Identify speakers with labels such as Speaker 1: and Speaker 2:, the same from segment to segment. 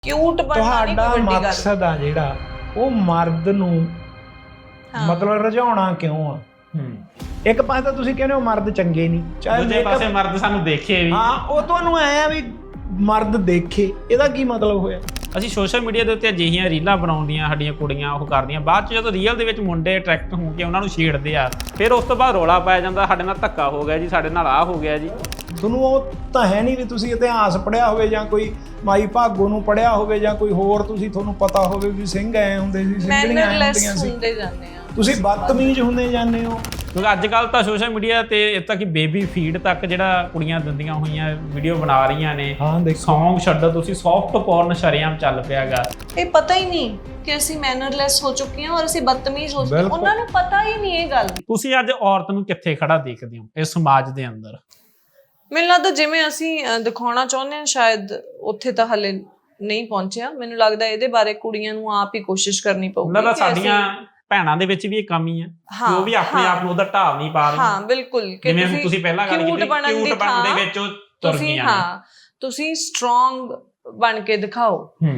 Speaker 1: Cute बनना नहीं कोई वड्डी गल।
Speaker 2: मकसद आ जिहड़ा ਉਹ ਮਰਦ ਨੂੰ ਮਤਲਬ ਰਝਾਉਣਾ ਕਿਉਂ ਆ। ਇੱਕ ਪਾਸੇ ਤਾਂ ਤੁਸੀਂ ਕਹਿੰਦੇ ਹੋ ਮਰਦ ਚੰਗੇ ਨਹੀਂ, ਚਾਹੇ
Speaker 3: ਦੂਜੇ ਪਾਸੇ ਮਰਦ ਸਾਨੂੰ ਦੇਖੇ ਵੀ।
Speaker 2: ਹਾਂ, ਉਹ ਤੁਹਾਨੂੰ ਐ ਆ ਵੀ ਮਰਦ ਦੇਖੇ, ਇਹਦਾ ਕੀ ਮਤਲਬ ਹੋਇਆ।
Speaker 3: ਅਸੀਂ ਸੋਸ਼ਲ ਮੀਡੀਆ ਦੇ ਉੱਤੇ ਅਜਿਹੀਆਂ ਰੀਲਾਂ ਬਣਾਉਂਦੀਆਂ ਸਾਡੀਆਂ ਕੁੜੀਆਂ ਉਹ ਕਰਦੀਆਂ, ਬਾਅਦ 'ਚ ਜਦੋਂ ਰੀਅਲ ਦੇ ਵਿੱਚ ਮੁੰਡੇ ਅਟਰੈਕਟ ਹੋ ਕੇ ਉਹਨਾਂ ਨੂੰ ਛੇੜਦੇ ਆ, ਫਿਰ ਉਸ ਤੋਂ ਬਾਅਦ ਰੌਲਾ ਪਾਇਆ ਜਾਂਦਾ ਸਾਡੇ ਨਾਲ ਧੱਕਾ ਹੋ ਗਿਆ ਜੀ, ਸਾਡੇ ਨਾਲ ਆਹ ਹੋ ਗਿਆ ਜੀ।
Speaker 2: ਤੁਹਾਨੂੰ ਉਹ ਤਾਂ ਹੈ ਨਹੀਂ ਵੀ ਤੁਸੀਂ ਇਤਿਹਾਸ ਪੜ੍ਹਿਆ ਹੋਵੇ ਜਾਂ ਕੋਈ ਮਾਈ ਭਾਗੋ ਨੂੰ ਪੜ੍ਹਿਆ ਹੋਵੇ ਜਾਂ ਕੋਈ ਹੋਰ ਤੁਹਾਨੂੰ ਪਤਾ ਹੋਵੇ ਵੀ ਸਿੰਘ ਐ ਹੁੰਦੇ ਸੀ, ਸਿੰਘਣੀਆਂ ਐ ਹੁੰਦੀਆਂ ਸੀ। ਤੁਸੀਂ ਬਦਤਮੀਜ਼ ਹੁੰਦੇ ਜਾਂਦੇ ਹੋ।
Speaker 3: ਕਿਉਂਕਿ ਅੱਜ ਕੱਲ੍ਹ ਤਾਂ ਸੋਸ਼ਲ ਮੀਡੀਆ ਤੇ ਇੱਥੇ ਤੱਕ ਕਿ ਬੇਬੀ ਫੀਡ ਤੱਕ ਜਿਹੜਾ ਕੁੜੀਆਂ ਦਿੰਦੀਆਂ ਹੋਈਆਂ ਵੀਡੀਓ ਬਣਾ ਰਹੀਆਂ ਨੇ। ਸੌਂਗ ਛੱਡੋ ਤੁਸੀਂ, ਸੌਫਟ ਪੋਰਨ ਸ਼ਰੇਆਮ ਚੱਲ ਪਿਆ ਗਾ।
Speaker 1: ਇਹ ਪਤਾ ਹੀ ਨਹੀਂ ਕਿ ਅਸੀਂ ਮੈਨਰਲੈਸ ਹੋ ਚੁੱਕੇ ਹਾਂ ਔਰ ਅਸੀਂ ਬਦਤਮੀਜ਼ ਹੋ ਚੁੱਕੇ ਹਾਂ, ਉਹਨਾਂ ਨੂੰ ਪਤਾ ਹੀ ਨਹੀਂ ਇਹ ਗੱਲ।
Speaker 3: ਤੁਸੀਂ ਅੱਜ ਔਰਤ ਨੂੰ ਕਿੱਥੇ ਖੜਾ ਦੇਖਦੇ ਹੋ ਇਸ ਸਮਾਜ ਦੇ ਅੰਦਰ?
Speaker 1: ਮੈਨੂੰ ਲੱਗਦਾ ਜਿਵੇਂ ਅਸੀਂ ਦਿਖਾਉਣਾ ਚਾਹੁੰਦੇ ਹਾਂ ਸ਼ਾਇਦ ਉੱਥੇ ਤਾਂ ਹਲੇ ਨਹੀਂ ਪਹੁੰਚਿਆ। ਮੈਨੂੰ ਲੱਗਦਾ ਇਹਦੇ ਬਾਰੇ ਕੁੜੀਆਂ ਨੂੰ ਆਪ ਹੀ ਕੋਸ਼ਿਸ਼ ਕਰਨੀ ਪਊਗੀ।
Speaker 3: ਲੱਗਦਾ ਸਾਡੀਆਂ ਭੈਣਾਂ ਦੇ ਵਿੱਚ ਵੀ ਇਹ ਕਮੀ ਹੈ ਕਿ ਉਹ ਵੀ ਆਪਣੇ ਆਪ ਨੂੰ ਉਹਦਾ ਢਾਲ ਨਹੀਂ ਪਾ ਰਹੀਆਂ।
Speaker 1: ਹਾਂ ਬਿਲਕੁਲ,
Speaker 3: ਜਿਵੇਂ ਤੁਸੀਂ ਪਹਿਲਾਂ ਗੱਲ ਕੀਤੀ ਕਿਊਟ ਬਣਨ ਦੇ ਵਿੱਚ ਉਹ ਤੁਰ ਗਈਆਂ।
Speaker 1: ਹਾਂ, ਤੁਸੀਂ ਸਟਰੋਂਗ ਬਣ ਕੇ ਦਿਖਾਓ।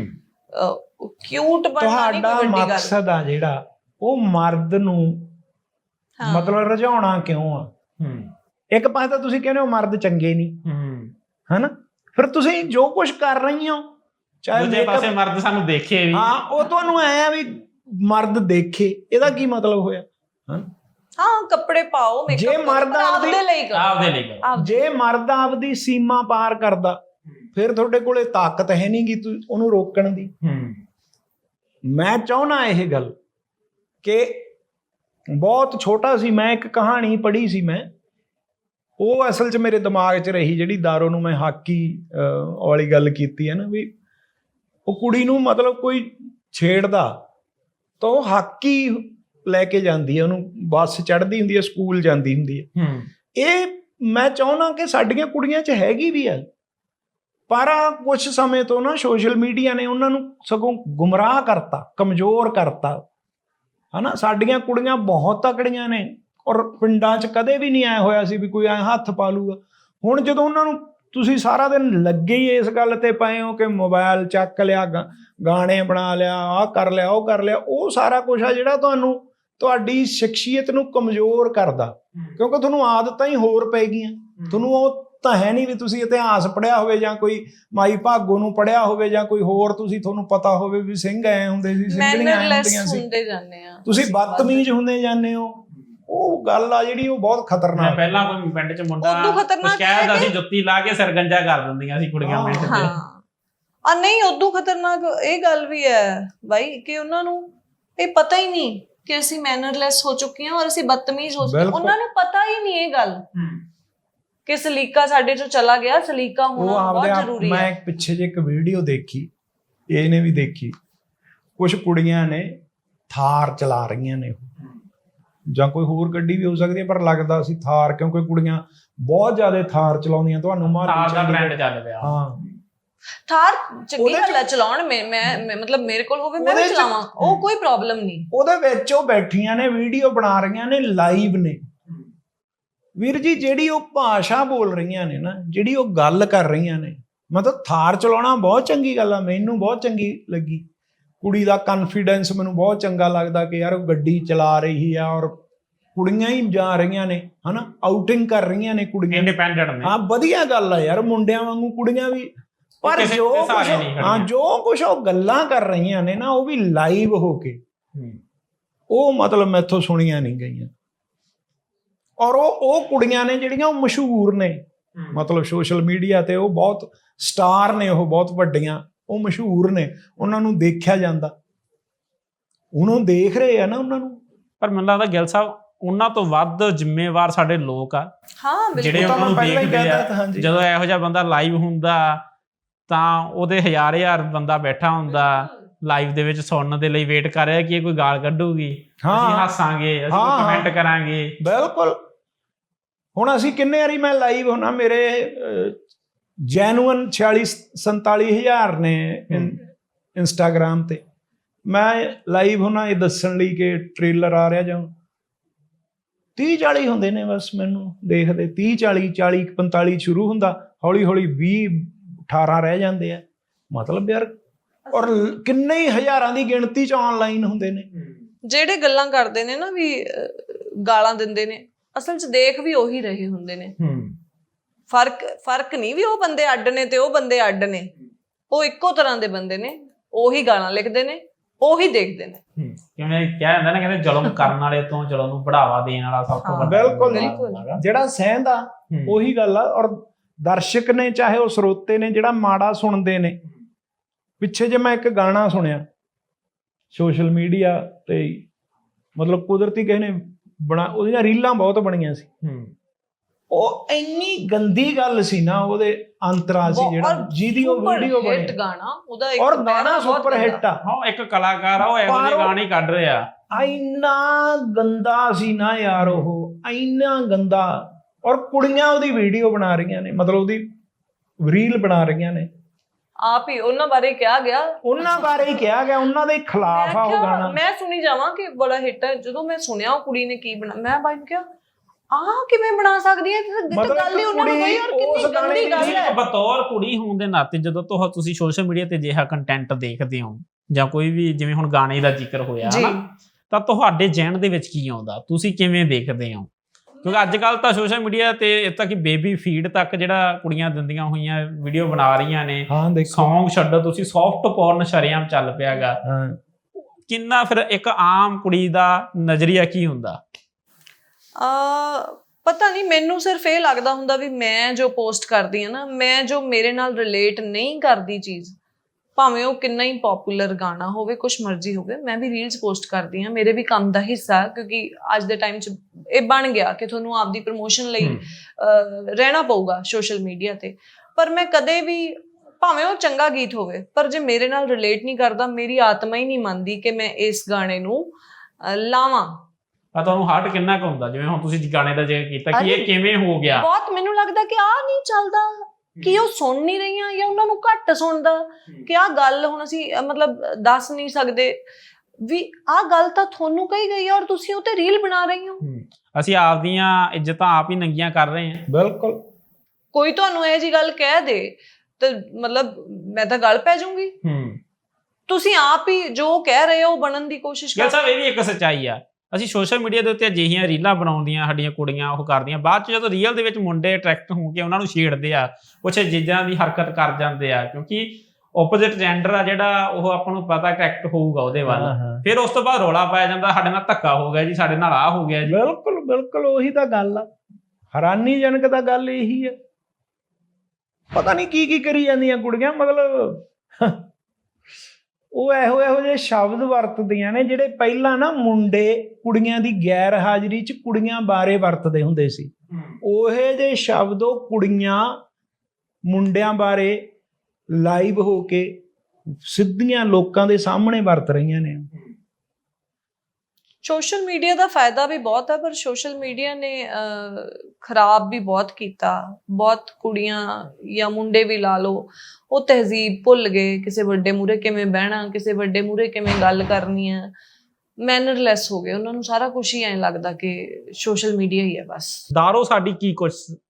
Speaker 1: ਕਿਊਟ ਬਣਨਾ ਨਹੀਂ ਕੋਈ ਵੱਡੀ ਗੱਲ।
Speaker 2: ਤੁਹਾਡਾ ਮਕਸਦ ਆ ਜਿਹੜਾ ਉਹ ਮਰਦ ਨੂੰ ਮਤਲਬ ਰਝਾਉਣਾ ਕਿਉਂ ਆ। ਇੱਕ ਪਾਸੇ ਤਾਂ ਤੁਸੀਂ ਕਹਿੰਦੇ ਹੋ ਮਰਦ ਚੰਗੇ ਨਹੀਂ, ਹਨਾ, ਫਿਰ ਤੁਸੀਂ ਜੋ ਕੁਝ ਕਰ ਰਹੀ ਹੋ, ਚਾਹੇ
Speaker 3: ਦੂਜੇ ਪਾਸੇ ਮਰਦ ਸਾਨੂੰ ਦੇਖੇ ਵੀ।
Speaker 2: ਹਾਂ, ਉਹ ਤੁਹਾਨੂੰ ਐ ਆ ਵੀ ਮਰਦ ਦੇਖੇ, ਇਹਦਾ ਕੀ ਮਤਲਬ ਹੋਇਆ।
Speaker 1: ਹਾਂ, ਕੱਪੜੇ ਪਾਓ,
Speaker 2: ਜੇ ਮਰਦ
Speaker 1: ਆਪਦੇ ਲਈ ਕਰੋ,
Speaker 2: ਜੇ ਮਰਦ ਆਪਦੀ ਸੀਮਾ ਪਾਰ ਕਰਦਾ ਫਿਰ ਤੁਹਾਡੇ ਕੋਲੇ ਤਾਕਤ ਹੈ ਨਹੀਂ ਗੀ ਉਹਨੂੰ ਰੋਕਣ ਦੀ। ਮੈਂ ਚਾਹੁੰਦਾ ਇਹ ਗੱਲ ਕਿ ਬਹੁਤ ਛੋਟਾ ਸੀ ਮੈਂ, ਇੱਕ ਕਹਾਣੀ ਪੜ੍ਹੀ ਸੀ ਮੈਂ, ਉਹ ਅਸਲ 'ਚ ਮੇਰੇ ਦਿਮਾਗ 'ਚ ਰਹੀ, ਜਿਹੜੀ ਦਾਰੋ ਨੂੰ ਮੈਂ ਹਾਕੀ ਵਾਲੀ ਗੱਲ ਕੀਤੀ ਹੈ ਨਾ, ਵੀ ਉਹ ਕੁੜੀ ਨੂੰ ਮਤਲਬ ਕੋਈ ਛੇੜਦਾ ਤਾਂ ਉਹ ਹਾਕੀ ਲੈ ਕੇ ਜਾਂਦੀ ਹੈ, ਉਹਨੂੰ ਬੱਸ ਚੜ੍ਹਦੀ ਹੁੰਦੀ ਹੈ, ਸਕੂਲ ਜਾਂਦੀ ਹੁੰਦੀ ਹੈ। ਇਹ ਮੈਂ ਚਾਹੁੰਦਾ ਕਿ ਸਾਡੀਆਂ ਕੁੜੀਆਂ 'ਚ ਹੈਗੀ ਵੀ ਹੈ, ਪਰ ਕੁਛ ਸਮੇਂ ਤੋਂ ਨਾ ਸੋਸ਼ਲ ਮੀਡੀਆ ਨੇ ਉਹਨਾਂ ਨੂੰ ਸਗੋਂ ਗੁੰਮਰਾਹ ਕਰਤਾ, ਕਮਜ਼ੋਰ ਕਰਤਾ, ਹਨਾ। ਸਾਡੀਆਂ ਕੁੜੀਆਂ ਬਹੁਤ ਤਕੜੀਆਂ ਨੇ ਔਰ ਪਿੰਡਾਂ 'ਚ ਕਦੇ ਵੀ ਨਹੀਂ ਆਇਆ ਹੋਇਆ ਸੀ ਵੀ ਕੋਈ ਐਂ ਹੱਥ ਪਾ ਲੂਗਾ। ਹੁਣ ਜਦੋਂ ਉਹਨਾਂ ਨੂੰ ਤੁਸੀਂ ਸਾਰਾ ਦਿਨ ਲੱਗੇ ਹੀ ਇਸ ਗੱਲ ਤੇ ਪਏ ਹੋ ਕਿ ਮੋਬਾਈਲ ਚੱਕ ਲਿਆ, ਗਾਣੇ ਬਣਾ ਲਿਆ, ਆਹ ਕਰ ਲਿਆ, ਉਹ ਕਰ ਲਿਆ, ਉਹ ਸਾਰਾ ਕੁਛ ਆ ਜਿਹੜਾ ਤੁਹਾਨੂੰ ਤੁਹਾਡੀ ਸ਼ਖਸੀਅਤ ਨੂੰ ਕਮਜ਼ੋਰ ਕਰਦਾ, ਕਿਉਂਕਿ ਤੁਹਾਨੂੰ ਆਦਤਾਂ ਹੀ ਹੋਰ ਪੈ ਗਈਆਂ। ਤੁਹਾਨੂੰ ਉਹ ਤਾਂ ਹੈ ਨਹੀਂ ਵੀ ਤੁਸੀਂ ਇਤਿਹਾਸ ਪੜ੍ਹਿਆ ਹੋਵੇ ਜਾਂ ਕੋਈ ਮਾਈ ਭਾਗੋ ਨੂੰ ਪੜ੍ਹਿਆ ਹੋਵੇ ਜਾਂ ਕੋਈ ਹੋਰ ਤੁਹਾਨੂੰ ਪਤਾ ਹੋਵੇ ਵੀ ਸਿੰਘ ਐ ਹੁੰਦੇ ਸੀ, ਸਿੰਘਣੀਆਂ ਐ ਹੁੰਦੀਆਂ ਸੀ। ਤੁਸੀਂ ਬਦਤਮੀਜ਼ ਹੁੰਦੇ ਜਾਂਦੇ ਹੋ। ਉਹ ਗੱਲ ਆ ਜਿਹੜੀ ਉਹ ਬਹੁਤ ਖਤਰਨਾਕ।
Speaker 3: ਪਹਿਲਾਂ ਕੋਈ ਪਿੰਡ 'ਚ ਮੁੰਡਾ ਕਹਿੰਦਾ ਸੀ ਜੁੱਤੀ ਲਾ ਕੇ ਸਰਗੰਜਾ ਕਰ ਦਿੰਦੀਆਂ ਸੀ ਕੁੜੀਆਂ ਮਿੰਟ 'ਚ।
Speaker 1: ਆ ਨਹੀਂ, ਉਦੋਂ ਖਤਰਨਾਕ ਇਹ ਗੱਲ ਵੀ ਹੈ ਬਾਈ ਕਿ ਉਹਨਾਂ ਨੂੰ ਇਹ ਪਤਾ ਹੀ ਨਹੀਂ ਕਿ ਅਸੀਂ ਮੈਨਰਲੈਸ ਹੋ ਚੁੱਕੇ ਹਾਂ ਔਰ ਅਸੀਂ ਬਦਤਮੀਜ਼ ਹੋ ਚੁੱਕੇ ਹਾਂ। ਉਹਨਾਂ ਨੂੰ ਪਤਾ ਹੀ ਨਹੀਂ ਇਹ ਗੱਲ ਕਿ ਸਲੀਕਾ ਸਾਡੇ ਚੋਂ ਚਲਾ ਗਿਆ। ਸਲੀਕਾ ਹੋਣਾ ਬਹੁਤ ਜ਼ਰੂਰੀ ਹੈ।
Speaker 2: ਮੈਂ ਪਿੱਛੇ ਜੇ ਇੱਕ ਵੀਡੀਓ ਦੇਖੀ, ਇਹਨੇ ਵੀ ਦੇਖੀ, ਕੁਝ ਕੁੜੀਆਂ ਨੇ ਥਾਰ ਚਲਾ ਰਹੀਆਂ ਨੇ ਜਾਂ ਕੋਈ ਹੋਰ ਗੱਡੀ ਵੀ ਹੋ ਸਕਦੀ ਹੈ, ਪਰ ਲੱਗਦਾ ਸੀ ਥਾਰ, ਕਿਉਂਕਿ ਕੁੜੀਆਂ ਬਹੁਤ ਜ਼ਿਆਦਾ ਥਾਰ ਚਲਾਉਂਦੀਆਂ। ਤੁਹਾਨੂੰ
Speaker 3: ਥਾਰ ਦਾ ਟ੍ਰੈਂਡ ਚੱਲ ਪਿਆ।
Speaker 2: ਹਾਂ,
Speaker 1: ਥਾਰ ਚੰਗੀ ਗੱਲ ਹੈ ਚਲਾਉਣ। ਮੈਂ ਮਤਲਬ ਮੇਰੇ ਕੋਲ ਹੋਵੇ ਮੈਂ ਵੀ ਚਲਾਵਾਂ, ਉਹ ਕੋਈ ਪ੍ਰੋਬਲਮ ਨਹੀਂ। ਉਹਦੇ
Speaker 2: ਵਿੱਚ ਉਹ ਬੈਠੀਆਂ ਨੇ, ਵੀਡੀਓ ਬਣਾ ਰਹੀਆਂ ਨੇ, ਲਾਈਵ ਨੇ। ਵੀਰ ਜੀ, ਜਿਹੜੀ ਉਹ ਭਾਸ਼ਾ ਬੋਲ ਰਹੀਆਂ ਨੇ ਨਾ, ਜਿਹੜੀ ਉਹ ਗੱਲ ਕਰ ਰਹੀਆਂ ਨੇ, ਮਤਲਬ ਥਾਰ ਚਲਾਉਣਾ ਬਹੁਤ ਚੰਗੀ ਗੱਲ ਆ, ਮੈਨੂੰ ਬਹੁਤ ਚੰਗੀ ਲੱਗੀ। ਕੁੜੀ ਦਾ ਕੌਨਫੀਡੈਂਸ ਮੈਨੂੰ ਬਹੁਤ ਚੰਗਾ ਲੱਗਦਾ ਕਿ ਯਾਰ ਉਹ ਗੱਡੀ ਚਲਾ ਰਹੀ ਆ ਔਰ ਕੁੜੀਆਂ ਹੀ ਜਾ ਰਹੀਆਂ ਨੇ, ਹਨਾ, ਆਊਟਿੰਗ ਕਰ ਰਹੀਆਂ ਨੇ ਕੁੜੀਆਂ,
Speaker 3: ਇੰਡੀਪੈਂਡੈਂਟ ਨੇ।
Speaker 2: ਹਾਂ, ਵਧੀਆ ਗੱਲ ਆ ਯਾਰ, ਮੁੰਡਿਆਂ ਵਾਂਗੂ ਕੁੜੀਆਂ ਵੀ। ਪਰ ਜੋ ਕੁਛ ਉਹ ਗੱਲਾਂ ਕਰ ਰਹੀਆਂ ਨੇ ਨਾ, ਉਹ ਵੀ ਲਾਈਵ ਹੋ ਕੇ, ਉਹ ਮਤਲਬ ਮੈਥੋਂ ਸੁਣੀਆਂ ਨਹੀਂ ਗਈਆਂ। ਔਰ ਉਹ ਕੁੜੀਆਂ ਨੇ ਜਿਹੜੀਆਂ ਉਹ ਮਸ਼ਹੂਰ ਨੇ, ਮਤਲਬ ਸੋਸ਼ਲ ਮੀਡੀਆ ਤੇ ਉਹ ਬਹੁਤ ਸਟਾਰ ਨੇ, ਉਹ ਬਹੁਤ ਵੱਡੀਆਂ, ਉਹ ਮਸ਼ਹੂਰ ਨੇ, ਉਹਨਾਂ ਨੂੰ ਦੇਖਿਆ ਜਾਂਦਾ, ਉਹਨੂੰ ਦੇਖ ਰਹੇ ਆ ਨਾ ਉਹਨਾਂ ਨੂੰ।
Speaker 3: ਪਰ ਮੈਨੂੰ ਲੱਗਦਾ ਗਿੱਲ ਸਾਹਿਬ ਉਹਨਾਂ ਤੋਂ ਵੱਧ ਜ਼ਿੰਮੇਵਾਰ ਸਾਡੇ ਲੋਕ ਆ, ਜਿਹੜੇ ਉਹਨਾਂ ਨੂੰ ਦੇਖਦੇ ਆ। ਜਦੋਂ ਇਹੋ ਜਿਹਾ ਬੰਦਾ ਲਾਈਵ ਹੁੰਦਾ ਤਾਂ ਉਹਦੇ ਹਜ਼ਾਰ ਬੰਦਾ ਬੈਠਾ ਹੁੰਦਾ ਲਾਈਵ ਦੇ ਵਿੱਚ ਸੁਣਨ ਦੇ ਲਈ, ਵੇਟ ਕਰ ਰਿਹਾ ਕਿ ਇਹ ਕੋਈ ਗਾਲ ਕੱਢੂਗੀ, ਅਸੀਂ ਹੱਸਾਂਗੇ, ਅਸੀਂ ਕਮੈਂਟ ਕਰਾਂਗੇ।
Speaker 2: ਬਿਲਕੁਲ। ਹੁਣ ਅਸੀਂ ਕਿੰਨੇ ਵਾਰੀ ਮੈਂ ਲਾਈਵ ਹੋਣਾ, ਮੇਰੇ ਜੈਨੂਅਨ 46-47 ਹਜ਼ਾਰ ਨੇ ਇੰਸਟਾਗ੍ਰਾਮ ਤੇ। ਮੈਂ ਲਾਈਵ ਹੋਣਾ ਇਹ ਦੱਸਣ ਲਈ ਕਿ ਟ੍ਰੇਲਰ ਆ ਰਿਹਾ, ਜਾਂ 30-40 ਹੁੰਦੇ ਨੇ ਬਸ ਮੈਨੂੰ ਦੇਖਦੇ। 30-40, 40-45 ਸ਼ੁਰੂ ਹੁੰਦਾ, ਹੌਲੀ ਹੌਲੀ 20-18 ਰਹਿ ਜਾਂਦੇ ਆ। ਮਤਲਬ ਯਾਰ ਔਰ ਕਿੰਨੇ ਹੀ ਹਜ਼ਾਰਾਂ ਦੀ ਗਿਣਤੀ 'ਚ ਆਨਲਾਈਨ ਹੁੰਦੇ ਨੇ।
Speaker 1: ਜਿਹੜੇ ਗੱਲਾਂ ਕਰਦੇ ਨੇ ਨਾ ਵੀ ਗਾਲਾਂ ਦਿੰਦੇ ਨੇ, ਅਸਲ 'ਚ ਦੇਖ ਵੀ ਉਹੀ ਰਹੇ ਹੁੰਦੇ ਨੇ। ਫਰਕ ਨਹੀਂ ਵੀ ਉਹ ਬੰਦੇ ਅੱਡ ਨੇ ਤੇ ਉਹ ਬੰਦੇ ਅੱਡ ਨੇ, ਉਹ ਇੱਕੋ ਤਰ੍ਹਾਂ ਦੇ ਬੰਦੇ ਨੇ, ਉਹੀ ਗਾਲਾਂ ਲਿਖਦੇ ਨੇ, ਉਹੀ ਦੇਖਦੇ ਨੇ।
Speaker 3: ਕਿਵੇਂ ਕਿਹਾ ਜਾਂਦਾ ਨਾ, ਕਹਿੰਦੇ ਜ਼ੁਲਮ ਕਰਨ ਵਾਲੇ ਤੋਂ ਜ਼ੁਲਮ ਨੂੰ ਬੜਾਵਾ ਦੇਣ ਵਾਲਾ ਸਭ ਤੋਂ ਵੱਡਾ।
Speaker 2: ਬਿਲਕੁਲ ਜਿਹੜਾ ਸਹਿੰਦਾ ਉਹੀ ਗੱਲ ਆ। ਔਰ ਦਰਸ਼ਕ ਨੇ ਚਾਹੇ ਉਹ ਸਰੋਤੇ ਨੇ, ਜਿਹੜਾ ਮਾੜਾ ਸੁਣਦੇ ਨੇ। ਪਿੱਛੇ ਜੇ ਮੈਂ ਇੱਕ ਗਾਣਾ ਸੁਣਿਆ ਸੋਸ਼ਲ ਮੀਡੀਆ ਤੇ, ਮਤਲਬ ਕੁਦਰਤੀ ਕਿਸੇ ਨੇ ਉਹਦੀਆਂ ਰੀਲਾਂ ਬਹੁਤ ਬਣੀਆਂ ਸੀ। ਉਹ ਇੰਨੀ ਗੰਦੀ ਗੱਲ ਸੀ ਨਾ, ਉਹਦੇ ਅੰਤਰਾ ਸੀ ਜਿਹੜਾ ਜਿਹਦੀ ਉਹ ਵੀਡੀਓ ਬਣੀ ਔਰ ਗਾਣਾ ਸੁਪਰ ਹਿੱਟ ਆ।
Speaker 3: ਹਾਂ, ਇੱਕ ਕਲਾਕਾਰ ਆ, ਉਹ ਇਹੋ ਜਿਹੇ ਗਾਣੇ ਕੱਢ ਰਿਹਾ।
Speaker 2: ਇੰਨਾ ਗੰਦਾ ਸੀ ਨਾ ਯਾਰ, ਉਹ ਇੰਨਾ ਗੰਦਾ। ਔਰ ਕੁੜੀਆਂ ਉਹਦੀ ਵੀਡੀਓ ਬਣਾ ਰਹੀਆਂ ਨੇ, ਮਤਲਬ ਉਹਦੀ ਰੀਲ ਬਣਾ ਰਹੀਆਂ ਨੇ।
Speaker 1: ਆਪ ਹੀ ਉਹਨਾਂ ਬਾਰੇ ਕਿਹਾ ਗਿਆ,
Speaker 2: ਉਹਨਾਂ ਦੇ ਖਿਲਾਫ ਆ ਉਹ ਗਾਣਾ।
Speaker 1: ਮੈਂ ਸੁਣੀ ਜਾਵਾਂ ਕਿ ਬੜਾ ਹਿੱਟ ਹੈ। ਜਦੋਂ ਮੈਂ ਸੁਣਿਆ ਉਹ ਕੁੜੀ ਨੇ ਕੀ ਬਣਾ, ਮੈਂ ਬਾਈ ਨੂੰ ਕਿਹਾ ਕਿਵੇਂ ਬਣਾ ਸਕਦੀ ਹੈ, ਗੱਲ ਹੀ ਉਹਨਾਂ ਨੂੰ ਕੋਈ। ਔਰ ਕਿੰਨੀ ਗੰਦੀ ਗੱਲ ਹੈ।
Speaker 3: ਬਤੌਰ ਕੁੜੀ ਹੋਣ ਦੇ ਨਾਤੇ ਜਦੋਂ ਤੁਸੀਂ ਸੋਸ਼ਲ ਮੀਡੀਆ ਤੇ ਅਜਿਹਾ ਕੰਟੈਂਟ ਦੇਖਦੇ ਹੋ, ਜਾਂ ਕੋਈ ਵੀ, ਜਿਵੇਂ ਹੁਣ ਗਾਣੇ ਦਾ ਜ਼ਿਕਰ ਹੋਇਆ ਨਾ, ਤਾਂ ਤੁਹਾਡੇ ਜ਼ਹਿਨ ਦੇ ਵਿੱਚ ਕੀ ਆਉਂਦਾ, ਤੁਸੀਂ ਕਿਵੇਂ ਦੇਖਦੇ ਹੋ? ਕਿਉਂਕਿ ਅੱਜ ਕੱਲ ਤਾਂ ਸੋਸ਼ਲ ਮੀਡੀਆ ਤੇ ਇੱਥੇ ਕਿ ਬੇਬੀ ਫੀਡ ਤੱਕ ਜਿਹੜਾ ਕੁੜੀਆਂ ਦਿੰਦੀਆਂ ਹੋਈਆਂ ਵੀਡੀਓ ਬਣਾ ਰਹੀਆਂ ਨੇ, ਸੌਂਗ ਛੱਡੋ ਤੁਸੀਂ, ਸੌਫਟ ਪੋਰਨ ਸ਼ਰੇਆਮ ਚੱਲ ਪਿਆਗਾ। ਕਿੰਨਾ ਫਿਰ ਇੱਕ ਆਮ ਕੁੜੀ ਦਾ ਨਜ਼ਰੀਆ ਕੀ ਹੁੰਦਾ?
Speaker 1: ਪਤਾ ਨਹੀਂ, ਮੈਨੂੰ ਸਿਰਫ ਇਹ ਲੱਗਦਾ ਹੁੰਦਾ ਵੀ ਮੈਂ ਜੋ ਪੋਸਟ ਕਰਦੀ ਹਾਂ ਨਾ, ਮੈਂ ਜੋ ਮੇਰੇ ਨਾਲ ਰਿਲੇਟ ਨਹੀਂ ਕਰਦੀ ਚੀਜ਼, ਭਾਵੇਂ ਉਹ ਕਿੰਨਾ ਹੀ ਪੋਪੂਲਰ ਗਾਣਾ ਹੋਵੇ, ਕੁਛ ਮਰਜ਼ੀ ਹੋਵੇ, ਮੈਂ ਵੀ ਰੀਲਸ ਪੋਸਟ ਕਰਦੀ ਹਾਂ। ਮੇਰੇ ਵੀ ਕੰਮ ਦਾ ਹਿੱਸਾ, ਕਿਉਂਕਿ ਅੱਜ ਦੇ ਟਾਈਮ 'ਚ ਇਹ ਬਣ ਗਿਆ ਕਿ ਤੁਹਾਨੂੰ ਆਪਦੀ ਪ੍ਰਮੋਸ਼ਨ ਲਈ ਰਹਿਣਾ ਪਊਗਾ ਸੋਸ਼ਲ ਮੀਡੀਆ ਤੇ। ਪਰ ਮੈਂ ਕਦੇ ਵੀ, ਭਾਵੇਂ ਉਹ ਚੰਗਾ ਗੀਤ ਹੋਵੇ, ਪਰ ਜੇ ਮੇਰੇ ਨਾਲ ਰਿਲੇਟ ਨਹੀਂ ਕਰਦਾ, ਮੇਰੀ ਆਤਮਾ ਹੀ ਨਹੀਂ ਮੰਨਦੀ ਕਿ ਮੈਂ ਇਸ ਗਾਣੇ ਨੂੰ ਲਾਵਾਂ।
Speaker 3: ਤੁਹਾਨੂੰ ਹਾਰਟ ਕਿੰਨਾ ਕੁ ਹੁੰਦਾ, ਜਿਵੇਂ ਹੁਣ ਤੁਸੀਂ ਗਾਣੇ ਦਾ ਜ਼ਿਕਰ ਕੀਤਾ ਕਿ ਇਹ ਕਿਵੇਂ ਹੋ ਗਿਆ?
Speaker 1: ਬਹੁਤ ਮੈਨੂੰ ਲੱਗਦਾ ਕਿ ਆਹ ਨਹੀਂ ਚੱਲਦਾ, ਕਿ ਉਹ ਸੁਣ ਨਹੀਂ ਰਹੀਆਂ ਜਾਂ ਉਹਨਾਂ ਨੂੰ ਘੱਟ ਸੁਣਦਾ, ਕਿ ਆਹ ਗੱਲ ਹੁਣ ਅਸੀਂ ਮਤਲਬ ਦੱਸ ਨਹੀਂ ਸਕਦੇ ਵੀ ਆਹ ਗੱਲ ਤਾਂ ਤੁਹਾਨੂੰ ਕਹੀ ਗਈ ਹੈ ਔਰ ਤੁਸੀਂ ਉਹ ਤੇ ਰੀਲ ਬਣਾ ਰਹੀ ਹੋ।
Speaker 3: ਅਸੀਂ ਆਪਦੀਆਂ ਇੱਜ਼ਤਾਂ ਆਪ ਹੀ ਨੰਗੀਆਂ ਕਰ ਰਹੇ ਹਾਂ।
Speaker 1: ਬਿਲਕੁਲ। ਕੋਈ ਤੁਹਾਨੂੰ ਇਹ ਜੀ ਗੱਲ ਕਹਿ ਦੇ ਤੇ ਮਤਲਬ ਮੈਂ ਤਾਂ ਗੱਲ ਪੈ ਜਾਊਂਗੀ। ਤੁਸੀਂ ਆਪ ਹੀ ਜੋ ਕਹਿ ਰਹੇ ਹੋ ਬਣਨ ਦੀ ਕੋਸ਼ਿਸ਼ ਕਰ।
Speaker 3: ਸਾਹਿਬ, ਇਹ ਵੀ ਇੱਕ ਸੱਚਾਈ ਆ। ਅਸੀਂ ਸੋਸ਼ਲ ਮੀਡੀਆ ਦੇ ਉੱਤੇ ਅਜਿਹੀਆਂ ਰੀਲਾਂ ਬਣਾਉਂਦੀਆਂ, ਸਾਡੀਆਂ ਕੁੜੀਆਂ ਉਹ ਕਰਦੀਆਂ, ਬਾਅਦ 'ਚ ਜਦੋਂ ਰੀਅਲ ਦੇ ਵਿੱਚ ਮੁੰਡੇ ਅਟਰੈਕਟ ਹੋ ਕੇ ਉਹਨਾਂ ਨੂੰ ਛੇੜਦੇ ਆ, ਕੁਛ ਚੀਜ਼ਾਂ ਦੀ ਹਰਕਤ ਕਰ ਜਾਂਦੇ ਆ, ਕਿਉਂਕਿ ਓਪੋਜ਼ਿਟ ਜੈਂਡਰ ਆ ਜਿਹੜਾ, ਉਹ ਆਪਾਂ ਨੂੰ ਪਤਾ ਅਟਰੈਕਟ ਹੋਊਗਾ ਉਹਦੇ ਵੱਲ। ਫਿਰ ਉਸ ਤੋਂ ਬਾਅਦ ਰੌਲਾ ਪਾਇਆ ਜਾਂਦਾ, ਸਾਡੇ ਨਾਲ ਧੱਕਾ ਹੋ ਗਿਆ ਜੀ, ਸਾਡੇ ਨਾਲ ਆਹ ਹੋ ਗਿਆ ਜੀ।
Speaker 2: ਬਿਲਕੁਲ ਉਹੀ ਤਾਂ ਗੱਲ ਆ। ਹੈਰਾਨੀਜਨਕ ਤਾਂ ਗੱਲ ਇਹੀ ਆ। ਪਤਾ ਨਹੀਂ ਕੀ ਕਰੀ ਜਾਂਦੀਆਂ ਕੁੜੀਆਂ, ਮਤਲਬ ਉਹ ਇਹੋ ਜਿਹੇ ਸ਼ਬਦ ਵਰਤਦੀਆਂ ਨੇ ਜਿਹੜੇ ਪਹਿਲਾਂ ਨਾ ਮੁੰਡੇ ਕੁੜੀਆਂ ਦੀ ਗੈਰ ਹਾਜ਼ਰੀ 'ਚ ਕੁੜੀਆਂ ਬਾਰੇ ਵਰਤਦੇ ਹੁੰਦੇ ਸੀ। ਉਹੇ ਜਿਹੇ ਸ਼ਬਦ ਉਹ ਕੁੜੀਆਂ ਮੁੰਡਿਆਂ ਬਾਰੇ ਲਾਈਵ ਹੋ ਕੇ ਸਿੱਧੀਆਂ ਲੋਕਾਂ ਦੇ ਸਾਹਮਣੇ ਵਰਤ ਰਹੀਆਂ ਨੇ।
Speaker 1: ਸੋਸ਼ਲ ਮੀਡੀਆ ਦਾ ਫਾਇਦਾ ਵੀ ਬਹੁਤ ਹੈ, ਪਰ ਸੋਸ਼ਲ ਮੀਡੀਆ ਨੇ ਖਰਾਬ ਵੀ ਬਹੁਤ ਕੀਤਾ। ਬਹੁਤ ਕੁੜੀਆਂ ਜਾਂ ਮੁੰਡੇ ਵੀ ਲਾ ਲਓ, ਉਹ ਤਹਿਜ਼ੀਬ ਭੁੱਲ ਗਏ, ਕਿਸੇ ਵੱਡੇ ਮੂਹਰੇ ਕਿਵੇਂ ਬਹਿਣਾ, ਕਿਸੇ ਵੱਡੇ ਮੂਹਰੇ ਕਿਵੇਂ ਗੱਲ ਕਰਨੀ ਹੈ, ਮੈਨਰਲੈਸ ਹੋ ਗਏ। ਉਹਨਾਂ ਨੂੰ ਸਾਰਾ ਕੁਛ ਹੀ ਐਂ ਲੱਗਦਾ ਕਿ ਸੋਸ਼ਲ ਮੀਡੀਆ ਹੀ ਹੈ ਬਸ।
Speaker 3: ਦਾਰੋ ਸਾਡੀ ਕੀ ਕੁਛ